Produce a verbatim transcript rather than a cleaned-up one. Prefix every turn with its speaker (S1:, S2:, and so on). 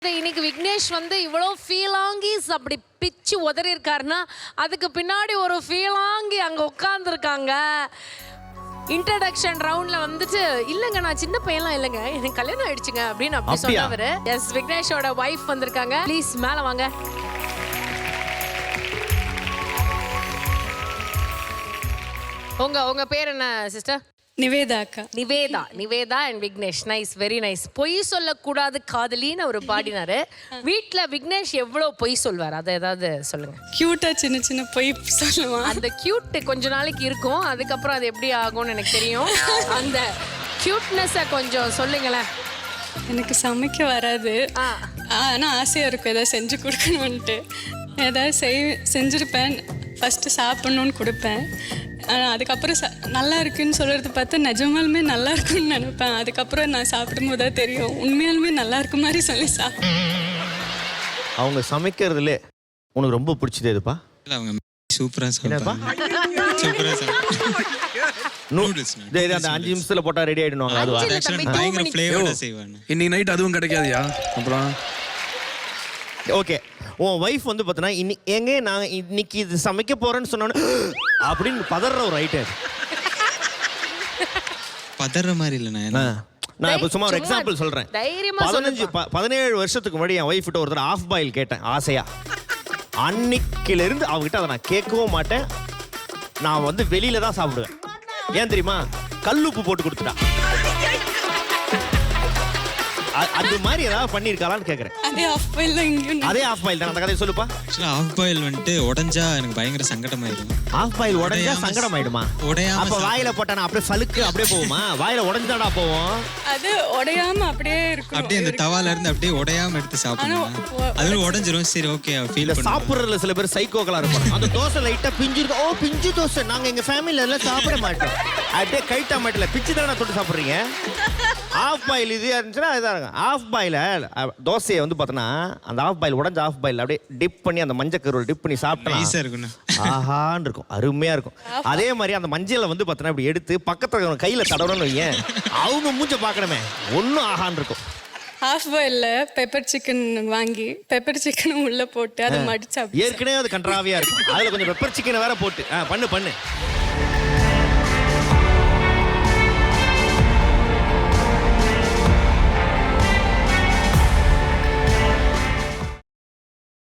S1: இன்னைக்கு விக்னேஷ் வந்து இவ்வளோ ஃபீலாங்கிஸ் அப்படி பிச்சு உதறி இருக்காருன்னா அதுக்கு பின்னாடி ஒரு ஃபீலாங்கி அங்கே உட்காந்துருக்காங்க. இன்ட்ரடக்ஷன் ரவுண்ட்ல வந்துட்டு இல்லைங்க நான் சின்ன பையன்லாம் இல்லைங்க எனக்கு கல்யாணம் ஆயிடுச்சுங்க அப்படின்னு அப்படி சொன்னவர் எஸ் விக்னேஷோட ஒய்ஃப் வந்திருக்காங்க. ப்ளீஸ் மேலே வாங்க. உங்க உங்க பேர் என்ன சிஸ்டர்?
S2: நிவேதா அக்கா.
S1: Nivetha Nivetha and Vignesh. Nice, very nice. பொய் சொல்லக்கூடாது காதலின்னு அவர் பாடினாரு. வீட்டில் விக்னேஷ் எவ்வளோ பொய் சொல்வார் அதை ஏதாவது சொல்லுங்க.
S2: கியூட்டா சின்ன சின்ன பொய் சொல்லுவான்.
S1: அந்த கியூட் கொஞ்ச நாளைக்கு இருக்கும், அதுக்கப்புறம் அது எப்படி ஆகும்னு எனக்கு தெரியும். அந்த கியூட்னஸை கொஞ்சம் சொல்லுங்களேன்.
S2: எனக்கு சமைக்க வராது, ஆனால் ஆசையாக இருக்கும் ஏதாவது செஞ்சு கொடுக்கணுன்ட்டு. ஏதாவது செய் செஞ்சுருப்பேன், ஃபஸ்ட்டு சாப்பிட்ணுன்னு கொடுப்பேன். ஆனால் அதுக்கப்புறம் ச நல்லா இருக்குன்னு சொல்கிறது பார்த்து நிஜமாலுமே நல்லா இருக்குன்னு நினைப்பேன். அதுக்கப்புறம் நான் சாப்பிடும் போது தான் தெரியும் உண்மையாலுமே நல்லா இருக்கு மாதிரி சொல்லி சாப்பிட்டேன்.
S3: அவங்க சமைக்கிறதுல உனக்கு ரொம்ப பிடிச்சது எதுப்பா?
S4: அவங்க சூப்பரா சமைப்பாங்க. சூப்பரா சமைப்பாங்க.
S3: நூடுல்ஸ் இது அந்த அஞ்சு நிமிஷத்துல போட்டா ரெடி ஆயிடுவாங்க. அதுவா
S4: பயங்கர ஃப்ளேவரா செய்வாங்க.
S5: இன்னைக்கு நைட் அதுவும் கிடைக்காதியா? அப்புறம்
S3: ஓகே, உன் ஒய்ஃப் வந்து பார்த்தீங்கன்னா இன்னி எங்கே நான் இன்னைக்கு இது சமைக்க போறேன்னு சொன்னோன்னு அப்படின்னு பதற ஒரு ஐட்டம்.
S4: பதற மாதிரி இல்லை. நான்
S3: நான் இப்போ சும்மா ஒரு எக்ஸாம்பிள் சொல்றேன். பதினஞ்சு பதினேழு வருஷத்துக்கு முன்னாடி என் ஒய்ஃப் கிட்ட ஒருத்தர் ஆஃப் பாயில் கேட்டேன் ஆசையா. அன்னைக்கில இருந்து அவகிட்ட அதை நான் கேட்கவும் மாட்டேன். நான் வந்து வெளியில தான் சாப்பிடுவேன். ஏன் தெரியுமா? கல்லுப்பு போட்டு கொடுத்துட்டா. அது மாதிரி ஏதாவது பண்ணிருக்காளான்னு கேக்குறேன்.
S2: அதே ஆஃப் பாயில் தான்.
S3: அதே ஆஃப் பாயில் தான். அந்த கதையை சொல்லுப்பா.
S4: ஆஃப் பாயில் வந்துட்டு உடைஞ்சா எனக்கு பயங்கர சங்கடமாயிடும்.
S3: ஆஃப் பாயில் உடைஞ்சா சங்கடம் ஆயிடுமா?
S4: உடையாம
S3: அப்ப வாயில போட்டானா அப்படியே சலுக்கு அப்படியே போகுமா? வாயில உடைஞ்சாடா போவோம்.
S2: அது உடையாம அப்படியே இருக்கும்.
S4: அப்படியே அந்த தவால இருந்து அப்படியே உடையாம எடுத்து சாப்பிடணும். அது உடைஞ்சிரும். சரி ஓகே ஃபீல் பண்ணு.
S3: சாப்பிடுறதுல சில பேர் சைக்கோக்களா இருப்பாங்க. அந்த தோசை லைட்டா பிஞ்சு இருக்கும். ஓ பிஞ்சு தோசை நாங்க எங்க ஃபேமிலில எல்லாம் சாப்பிட மாட்டோம். அப்படியே கைட்டா மாட்டல பிச்சு தானே தொட்டு சாப்பிடுறீங்க. ஆஃப் பாயில் இது இருந்துச்சுன்னா இதாக இருக்கும். ஆஃப் பாயில தோசையை வந்து பார்த்தோன்னா அந்த ஆஃப் பாயில் உடஞ்ச ஆஃப் பாயில் அப்படியே டிப் பண்ணி அந்த மஞ்சள் கருவில் டிப் பண்ணி சாப்பிட்டா ஆஹான்னு இருக்கும், அருமையாக இருக்கும். அதே மாதிரி அந்த மஞ்சளை வந்து பார்த்தோன்னா இப்படி எடுத்து பக்கத்தில் கையில் தடவணும்னு வையேன், அவங்க மூஞ்ச பார்க்கணுமே ஒன்றும் ஆகான்னு இருக்கும்.
S2: ஹாஃப் பாயில்ல பெப்பர் சிக்கன் வாங்கி பெப்பர் சிக்கனும் உள்ள போட்டு அதை மடிச்சு
S3: ஏற்கனவே அது கன்றாவியாக இருக்கும். அதில் கொஞ்சம் பெப்பர் சிக்கனை வேற போட்டு ஆ பண்ணு பண்ணு